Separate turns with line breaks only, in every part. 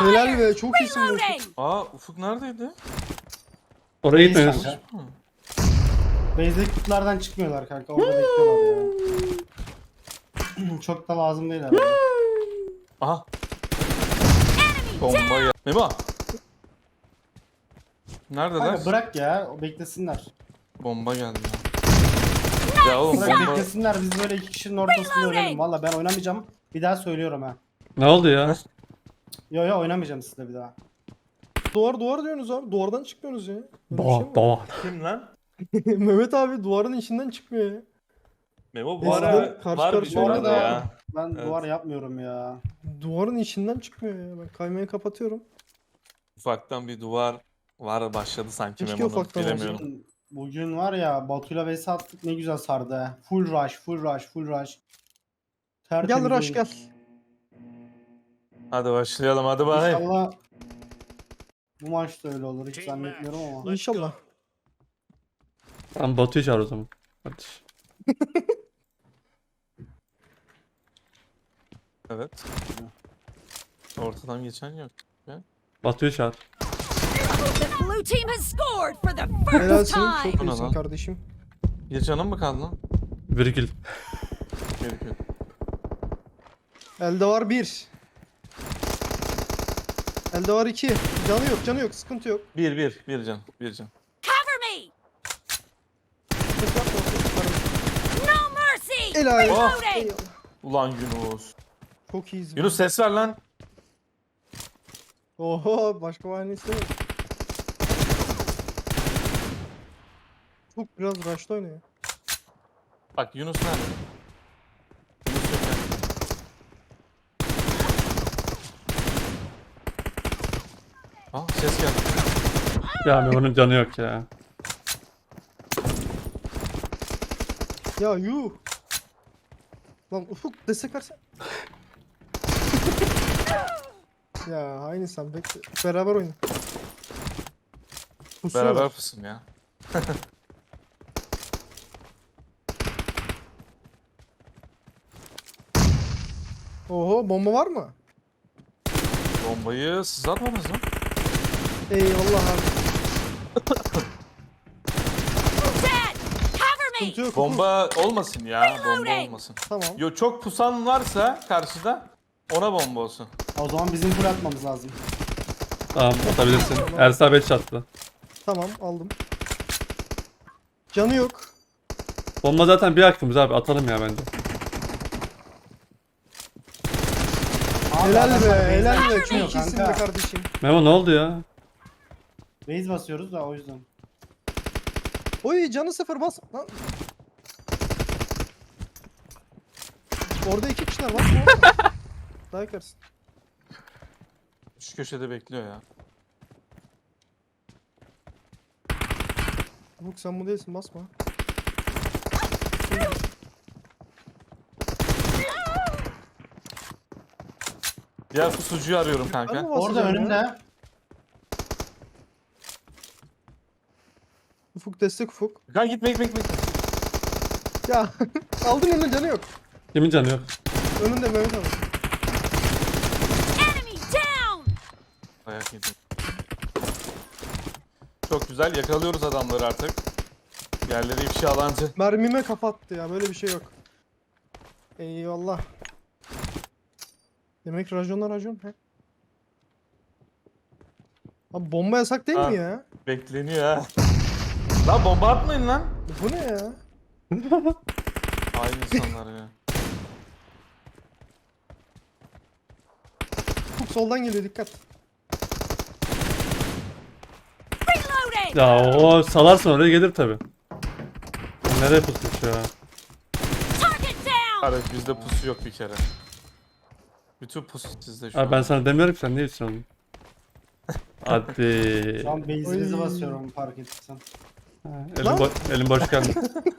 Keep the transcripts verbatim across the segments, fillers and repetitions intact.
Helal be, çok iyisin bu.
Aa Ufuk neredeydi?
Oraya
Neyse
gitmiyoruz.
kanka. Base'deki kutulardan çıkmıyorlar kanka. Orada bekliyorlar ya. Çok da lazım değil herhalde.
Aha. Bomba ya. Memo. Neredeler?
Kanka bırak ya. O beklesinler.
Bomba geldi ya. Ya oğlum
Bırak
bomba.
beklesinler. Biz böyle iki kişinin ortasında ölelim. Valla ben oynamayacağım. Bir daha söylüyorum ha.
Ne oldu ya?
Yo yo oynamayacağım sizle bir daha.
Duvar duvar diyorsunuz abi. Duvardan çıkmıyorsunuz ya. Böyle bir şey mi
Doğa,
var?
doğa.
Kim lan?
Mehmet abi duvarın içinden çıkmıyor ya.
Memo bu
Eskiden
ara
karşı
var bir
karşıya
Bu
şey
oynadık
arada
ya.
ben
Evet.
duvar yapmıyorum ya.
Duvarın içinden çıkmıyor ya. Ben kaymayı kapatıyorum.
Ufaktan bir duvar var başladı sanki
Keşke
Memo'nun.
ufaktan
Bilemiyorum.
Bugün, bugün var ya Batu'yla vs attık ne güzel sardı ha. Full rush, full rush, full rush. Tertemiz
Gel Rush
oyun.
gel.
Hadi başlayalım hadi bakayım.
İnşallah bu maç da öyle olur hiç zannetmiyorum ama.
İnşallah.
Tamam Batu'yu çağır o zaman. Hadi.
Evet. Ortadan geçen yok.
Batu'yu çağır.
The blue team has scored for the first
Helalsin.
time.
Çok
Bu ne
iyisin
lan?
kardeşim.
Bir canım mı kaldı lan?
Virgül.
Gerekiyor.
Elde var bir. Elde var iki. Canı yok, canı yok. Sıkıntı yok.
Bir bir bir can bir can.
Cover me.
Sıkıntı yapma, sıkıntı yapma.
No mercy.
Helal.
Oh.
Reloading.
Eyvallah.
Ulan Yunus.
Çok iyiyiz.
Yunus ses ver lan.
Oho, başka bahane istemiyorum. Çok biraz rush'ta oynuyor.
Bak Yunus nerede? Yunus yok yani. Aa ses geldi.
Ya Memo'nun canı yok ya.
Ya yuh. Lan Ufuk destek versen. Ya aynı sen bekle. Beraber oyna. Pusuyorlar.
Beraber fısın ya.
Oho, bomba var mı?
Bombayı siz atmadınız mı?
Eyvallah abi.
Dead. Cover me.
Sıkıntı yok.
Bomba olmasın ya. Bomba olmasın.
Tamam.
Yo çok pusan varsa karşıda ona bomba olsun.
O zaman bizim full atmamız lazım.
Tamam atabilirsin. Ersa beş attı.
Tamam aldım. Canı yok.
Bomba zaten bir hakkımız abi atalım ya bence.
Abi
Helal
adamlar
be,
base
helal be.
basıyor
Çok iyisin be
kanka.
kardeşim.
Memo ne oldu ya?
Base basıyoruz da o yüzden.
Oy canı sıfır bas. Lan. Orada iki kişiler var. Daha yakarsın.
Şu köşede bekliyor ya.
Ufuk sen bu değilsin, basma.
Diğer pusucuyu arıyorum
Ben
kanka.
mi
Orada
basacağım ya?
önümde.
Ufuk destek Ufuk.
Kanka gitme gitme gitme.
Ya aldın önüne, canı yok.
Kimin canı yok?
Önünde Mehmet abi.
Enemy down.
Ayak yedim. Çok güzel yakalıyoruz adamları artık. Yerleri ifşalancı.
Mermime kafa attı ya, böyle bir şey yok. Eyvallah. Demek rajonlar rajon he. Abi bomba yasak değil
Ha.
mi ya?
Bekleniyor ha. Lan bomba atmayın lan.
Bu ne ya?
Aynı insanlar ya.
Ufuk soldan geliyor, dikkat.
Reloading.
Ya o salarsın oraya gelir tabi. Nereye pusmuş ya?
Target down.
Evet bizde pusu yok bir kere. Bütün pusu sizde şu
Abi
an.
ben sana demiyorum ki sen ne için onu? Hadi.
Şu an base'imizi
Oy.
basıyorum fark ettiysen.
Elim,
Lan.
bo elim boş geldi.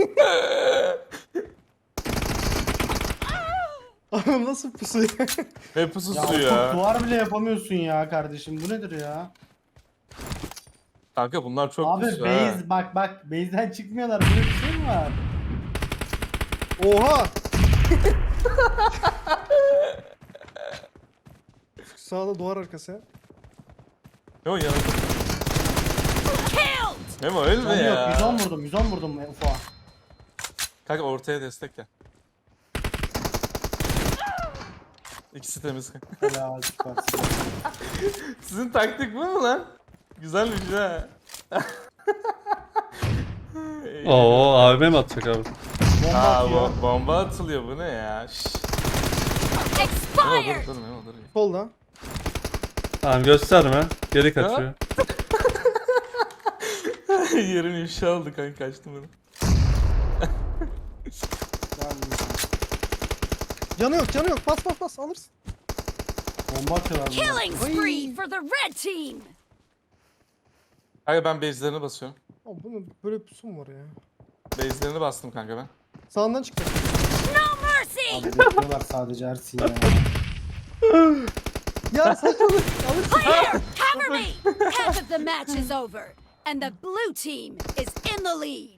Abi nasıl pusu ya?
Ne
Ya,
pususu
Ufuk,
ya.
duvar bile yapamıyorsun ya kardeşim. Bu nedir ya?
Kanka bunlar çok
Abi
pusu ha.
base bak bak base'den çıkmıyorlar. Böyle bir şey mi var?
Oha! Sağda duvar arkası ya.
Memo yanında.
Killed!
Memo ölme
Canı yok.
ya.
yüz on vurdum. yüz on vurdum Ufa.
Kanka ortaya destek gel. İkisi temiz.
Ya süpersin.
Sizin taktik bu mu lan? Güzelmiş ha.
Oo A V M mi atacak abi?
Bomba
Aa,
atıyor.
bo- bomba atılıyor, bu ne ya? Şşş. Dur
Expired!
dur dur Memo, dur.
Solda.
Tamam gösterme. Geri kaçıyor.
Yerin ifşa oldu kanka, kaçtım bunu.
Canı yok canı yok. Bas bas bas alırsın.
Bomba atıyorlar bunlar.
Killing spree for the red team!
Kanka ben base'lerine basıyorum.
Abi bunun böyle bir pusu mu var ya?
Base'lerine bastım kanka ben.
Sağından çıktı.
No mercy!
Abi bekliyorlar sadece Ersin ya.
Ya saçmalık. Alırsın.
Here, cover me! Half of the match is over, and the blue team is in the lead.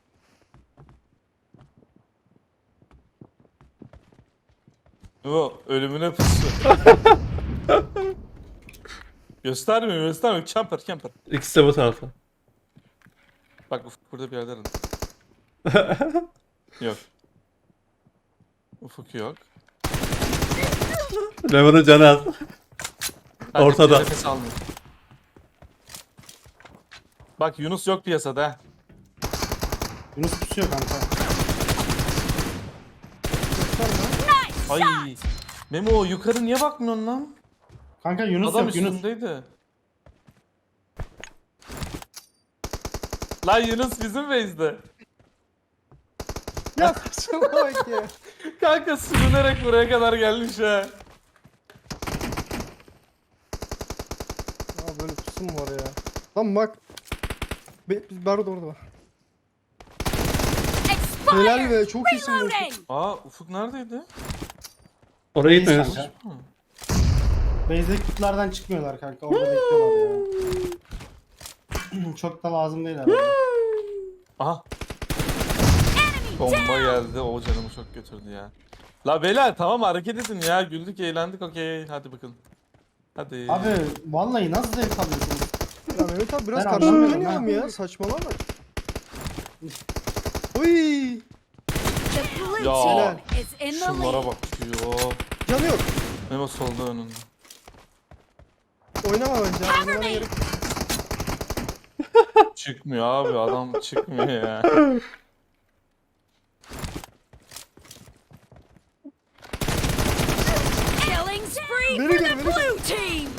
Memo ölümüne pusu. Göstermiyor göstermiyor. Camper camper.
İkisi de bu tarafta.
Bak Ufuk burada bir yerde aradı. Yok. Ufuk yok.
Memo'nun canı az.
Kanka,
Ortada.
nefes almıyor. Bak Yunus yok piyasada ha.
Yunus pusuyor kanka.
Nice
Ay.
shot!
Memo yukarı niye bakmıyorsun lan?
Kanka Yunus
Adam
yok Yunus.
üstündeydi. Lan Yunus bizim base'de.
Ya saçmalık ya.
Kanka sürünerek buraya kadar gelmiş ha.
Ya böyle pusu mu var ya? Lan bak. Be biz Berdo orada var. Helal
Expired!
be, çok iyisin bu.
Reloading!
Aa Ufuk neredeydi?
Oraya gitmiyoruz.
Kanka. Base'deki kutulardan çıkmıyorlar kanka. Orada bekliyorlar ya. Çok da lazım değil herhalde.
Aha
Enemy
bomba
down!
geldi, o canımı çok götürdü ya. La beyler tamam hareket edin ya, güldük eğlendik, okey hadi bakalım. Hadi.
Abi vallahi nasıl zevk alıyorsunuz?
Ya Mehmet abi biraz
Ben
karşılıklı
anlamıyorum
oynayalım
ha.
ya. Saçmalama. Oy.
The blue
Ya,
team is in the
Şunlara
lead.
bak diyor.
Canı yok.
Memo solda önünde.
Oynama bence. ya,
Cover
Oynamana
me!
gerek yok.
Çıkmıyor abi, adam çıkmıyor ya.
Killing spree
Very
for
good,
the
very
blue team!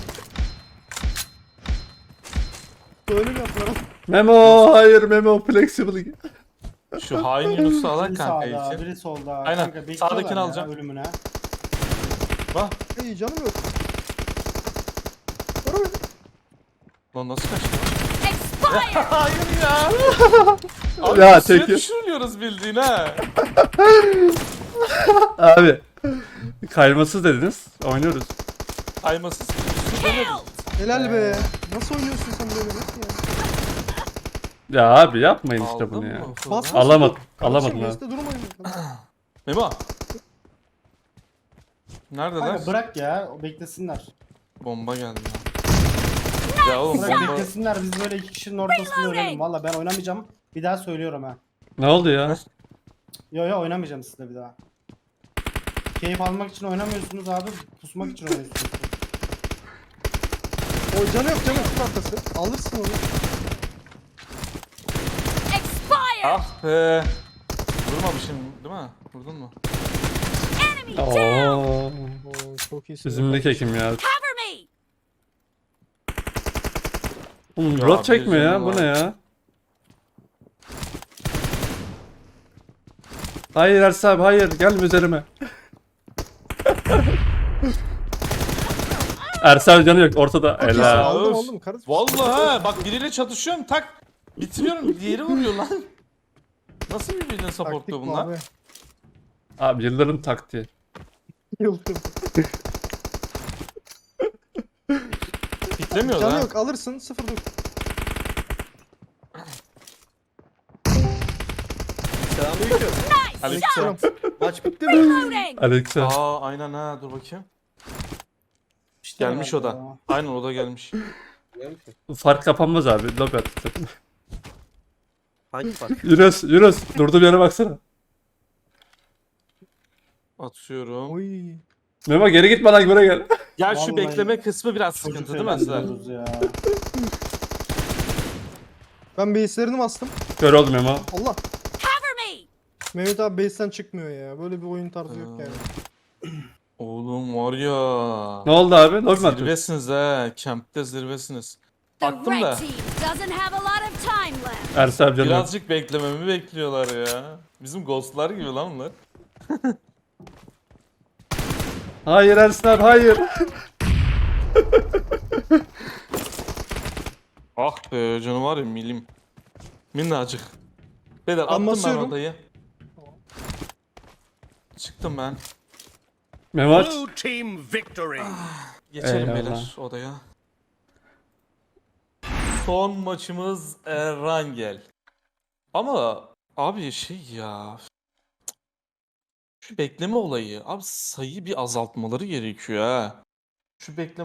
Böyle mi yapıyorum?
Memo hayır Memo flexible.
Şu hain Yunus'u alak
Biri
kanka
sağda,
için.
biri solda.
Aynen,
Kanka bekliyorlar
sağdakini
ya
alacağım.
ölümüne.
Bak.
Ay canım yok. Vurma.
Lan nasıl kaçtı?
Expired!
Hayır ya. Abi
Ya,
ya suya
teki.
düşürülüyoruz bildiğin ha.
Abi. Kaymasız dediniz. Oynuyoruz.
Kaymasız.
Killed!
Helal be. Nasıl oynuyorsun sen böyle nasıl ya?
Ya abi yapmayın işte
Aldın
bunu
mı
ya.
Ufuk'u?
Bas bas.
Alamadım.
Kardeşim,
Alamadım abi.
Mesut'ta durmayın.
Memo. Neredeler?
Kanka bırak ya o beklesinler.
Bomba geldi ya. Ya oğlum
Bırak
bomba...
beklesinler biz böyle iki kişinin ortasında ölelim. Valla ben oynamayacağım. Bir daha söylüyorum ha.
Ne oldu ya?
Yo yo oynamayacağım sizle bir daha. Keyif almak için oynamıyorsunuz abi. Pusmak için oynuyorsunuz.
O canı yok canı yok. Tut arkası. Alırsın onu.
Expired!
Ah be. Vurmamışım değil mi? Vurdun mu?
Enemy down!
Oo.
Oo, çok iyisin.
Bizimlik ekim ya.
Cover me!
Oğlum
Ya,
rot çekmiyor ya.
bizim
Bu
var.
ne ya? Hayır Ersin abi hayır. Gelme üzerime. Ersin abi canı yok. Ortada.
iyisin.
Helal.
Aldım,
Öf.
aldım, kardeşim.
Vallahi ha bak biriyle çatışıyorum tak. Bitiriyorum, diğeri vuruyor lan. Nasıl birbirini
Taktik
supportluyor
bu
bunlar?
abi.
Abi yılların taktiği.
Yıldım.
Bitlemiyor
Canı
lan.
yok alırsın. Sıfır dur.
Selamünaleyküm.
Nice
Aleykümselam.
shot!
Maç bitti mi?
Reloading!
Aleyküm.
Aa aynen ha, dur bakayım.
İşte
Gelmiş o
herhalde
da.
ya.
Aynen o da gelmiş.
Biliyor musun?
Fark kapanmaz abi. Lobi attık.
Hangi fark?
Yunus, Yunus. Durduğum yere baksana.
Atıyorum.
Oy.
Memo geri gitme lan buraya gel.
Ya şu
Vallahi
bekleme kısmı biraz
Çocuk
sıkıntı değil mi Aslan?
eğlendiriyoruz ya.
Ben base'lerini bastım.
Kör oldum Memo.
Allah.
Cover me!
Mehmet abi base'ten çıkmıyor ya. Böyle bir oyun tarzı yok
Ha.
yani.
Oğlum var ya.
Ne oldu abi? Lobi mi atıyorsun?
Zirvesiniz ha. Camp'te zirvesiniz.
The
Baktım da
red team doesn't have a lot of time left.
Ersin abi canım.
birazcık beklememi bekliyorlar ya. Bizim ghostlar gibi lan bunlar.
Hayır Ersin abi hayır.
Ah be canım var ya milim. Minnacık. Beyler attım ben
basıyorum.
odayı. Çıktım ben.
Memo aç.
Blue team victory.
Geçelim
Eyvallah.
beyler odaya. Son maçımız Erangel. Ama abi şey ya. Şu bekleme olayı. Abi sayıyı bir azaltmaları gerekiyor ha. Şu bekleme